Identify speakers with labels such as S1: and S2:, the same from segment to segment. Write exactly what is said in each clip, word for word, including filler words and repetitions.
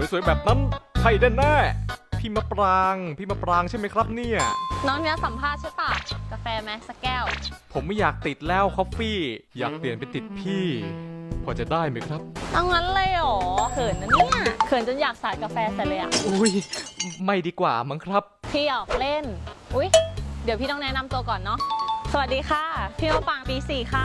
S1: สวยๆแบบนั้นใช่แน่ๆพี่มะปรางพี่มะปรางใช่ไหมครับเนี่ย
S2: น้องเนี้ยสัมภาษณ์ใช่ปะกาแฟไหมสักแก้ว
S1: ผมไม่อยากติดแล้วคอฟฟี่อยากเปลี่ยนเป็นติดพี่พอจะได้ไหมครับ
S2: เอางั้นเลยเหรอเขินนะเนี่ยเขินจนอยากสาดกาแฟใส่เลยอ่ะ
S1: อุ้ยไม่ดีกว่ามั้งครับ
S2: พี่ออกเล่นอุ้ยเดี๋ยวพี่ต้องแนะนำตัวก่อนเนาะสวัสดีค่ะพี่มะปรางปีสี่ค่ะ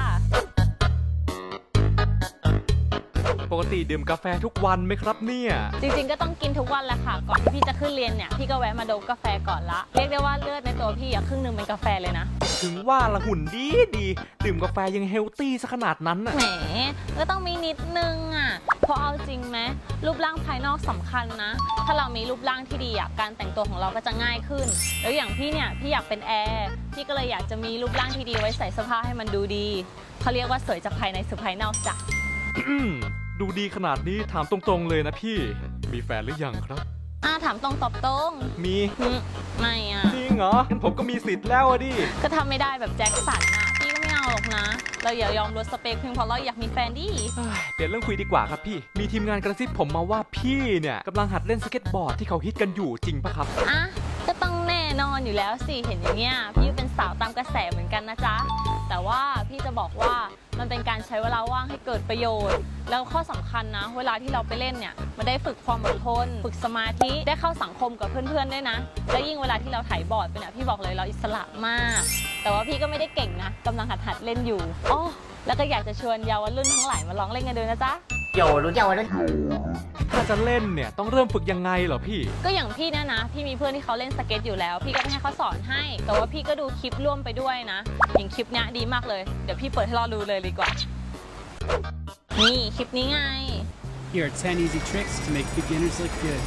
S1: ปกติดื่มกาแฟทุกวันไหมครับเนี่ย
S2: จริงๆก็ต้องกินทุกวันแหละค่ะก่อนที่พี่จะขึ้นเรียนเนี่ยพี่ก็แวะมาดมกาแฟก่อนละเรียกได้ว่าเลือดในตัวพี่อะครึ่งหนึ่งเป็นกาแฟเลยนะ
S1: ถึงว่าละหุ่นดีดีดื่มกาแฟยังเฮลตี้ซะขนาดนั้นน่ะ
S2: แหมก็ต้องมีนิดนึงอ่ะเพราะเอาจริงไหมรูปร่างภายนอกสำคัญนะถ้าเรามีรูปร่างที่ดีอ่ะการแต่งตัวของเราก็จะง่ายขึ้นแล้วอย่างพี่เนี่ยพี่อยากเป็นแอร์พี่ก็เลยอยากจะมีรูปร่างที่ดีไว้ใส่เสื้อผ้าให้มันดูดีเขาเรียกว่าสวยจากภายในสู่ภายนอกจ้ะ
S1: ดูดีขนาดนี้ถามตรงๆเลยนะพี่มีแฟนหรือยังครับ
S2: อ่าถามตรงตอบตรง
S1: มี
S2: ไม่อ่ะ
S1: จริงเหรองั้นผมก็มีสิทธิ์แล้วอะดิ
S2: ก็ทำไม่ได้แบบแจ็คสันนะพี่ก็ไม่เอาหรอกนะเราอย่ายอมลดสเปคเพียงเพราะเราอยากมีแฟนดิ
S1: เปลี่ยนเรื่องคุยดีกว่าครับพี่มีทีมงานกระซิบผมมาว่าพี่เนี่ยกำลังหัดเล่นสเก็ตบอร์ดที่เขาฮิตกันอยู่จริงปะครับ
S2: อ่ะก็ต้องแน่นอนอยู่แล้วสิเห็นอย่างเงี้ยพี่เป็นสาวตามกระแสเหมือนกันนะจ๊ะแต่ว่าพี่จะบอกว่ามันเป็นการใช้เวลาว่างให้เกิดประโยชน์แล้วข้อสำคัญนะเวลาที่เราไปเล่นเนี่ยมันได้ฝึกความอดทนฝึกสมาธิได้เข้าสังคมกับเพื่อนๆด้วยนะและยิ่งเวลาที่เราถ่ายบอร์ดไปเนี่ยพี่บอกเลยเราอิสระมากแต่ว่าพี่ก็ไม่ได้เก่งนะกำลังหัดหัดเล่นอยู่อ๋อแล้วก็อยากจะชวนเยาวรุ่นทั้งหลายมาลองเล่นกันดูนะจ๊ะ
S3: เยาวรุ่นเยาวรุ่น
S1: ถ้าจะเล่นเนี่ยต้องเริ่มฝึกยังไงเหรอพี่
S2: ก็อย่างพี่เนี่ยนะพี่มีเพื่อนที่เขาเล่นสเก็ตอยู่แล้วพี่ก็ให้เขาสอนให้แต่ว่าพี่ก็ดูคลิปร่วมไปด้วยนะอย่างคลิปเนี้ยดีมากเลยเดี๋ยวพี่เปิดให้เราดูเลยดีกว่านี่คลิปนี้ไง
S4: Here are ten easy tricks to make beginners look good.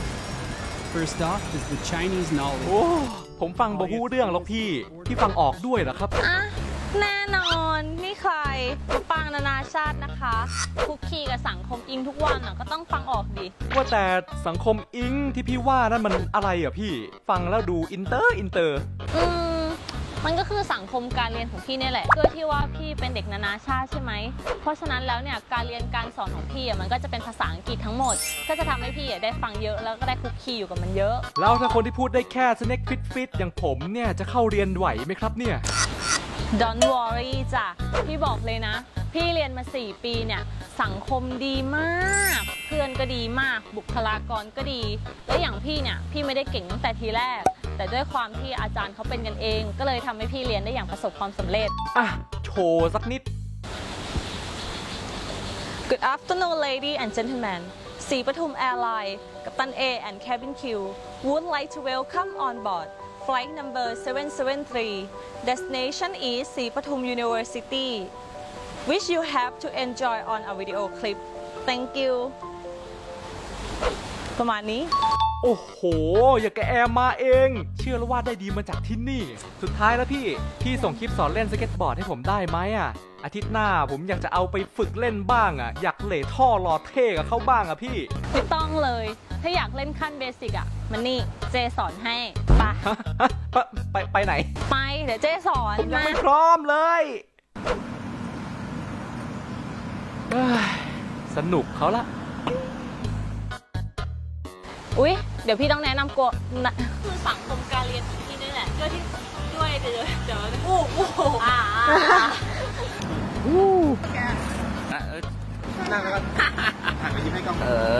S4: First off is the Chinese knowledge.
S1: โอ้ผมฟังบ่ฮู้เรื่องแล้วพี่พี่ฟังออกด้วยเหรอครับ
S2: อ่ะแน่นอนนี่ใครมะปรางนานาชาตินะคะคุกคีกับสังคมอิงทุกวันอ่ะก็ต้องฟังออกดิ
S1: ว่าแต่สังคมอิงที่พี่ว่านั่นมันอะไรอ่ะพี่ฟังแล้วดูอินเตอร์อินเตอร์
S2: อืมมันก็คือสังคมการเรียนของพี่นี่แหละด้วยที่ว่าพี่เป็นเด็กนานาชาติใช่ไหมเพราะฉะนั้นแล้วเนี่ยการเรียนการสอนของพี่อ่ะมันก็จะเป็นภาษาอังกฤษทั้งหมดก็จะทำให้พี่อ่ะได้ฟังเยอะแล้วก็ได้คุกคีอยู่กับมันเยอะ
S1: แล้วถ้าคนที่พูดได้แค่สเน็กฟิตฟิตอย่างผมเนี่ยจะเข้าเรียนไหวไหมครับเนี่ย
S2: Don't worry จ้ะพี่บอกเลยนะพี่เรียนมาสี่ปีเนี่ยสังคมดีมากเพื่อนก็ดีมากบุคลากรก็ดีและอย่างพี่เนี่ยพี่ไม่ได้เก่งตั้งแต่ทีแรกแต่ด้วยความที่อาจารย์เขาเป็นกันเองก็เลยทำให้พี่เรียนได้อย่างประสบความสำเร็จ
S1: อ่ะโชว์สักนิด
S2: Good afternoon ladies and gentlemen สีปทุม Airline กัปตัน A and Cabin Crew would like to welcome on board Flight number seven seven three. Destination is ศรีปทุม University. Which you have to enjoy on a video clip. Thank you. ประมาณนี้
S1: โอ้โหอย่าแกแอมมาเอง เชื่อแล้วว่าได้ดีมาจากที่นี่ สุดท้ายแล้วพี่ พี่ส่งคลิปสอนเล่นสเก็ตบอร์ดให้ผมได้ไหมอ่ะอาทิตย์หน้าผมอยากจะเอาไปฝึกเล่นบ้างอ่ะอยากเหล่ท่อรอเท่กับเขาบ้างอ่ะพี่
S2: ไม่ต้องเลยถ้าอยากเล่นขั้นเบสิกอ่ะมันนี่เจสอนให้ปะ
S1: ไปไปไหน
S2: ไปเดี๋ยวเจสอน
S1: ผมยังไม่พร้อมเลยสนุกเขาละ
S2: อุ๊ยเดี๋ยวพี่ต้องแนะนำกฎคือสังคมการเรียนของพี่นี่แหละด้วยที่ด้วยเดี๋ยวเดี๋ยวอู้อู้อ่า
S1: อู้
S3: นั่งแล้วก็หันไปยิ้มให้กล้องเออ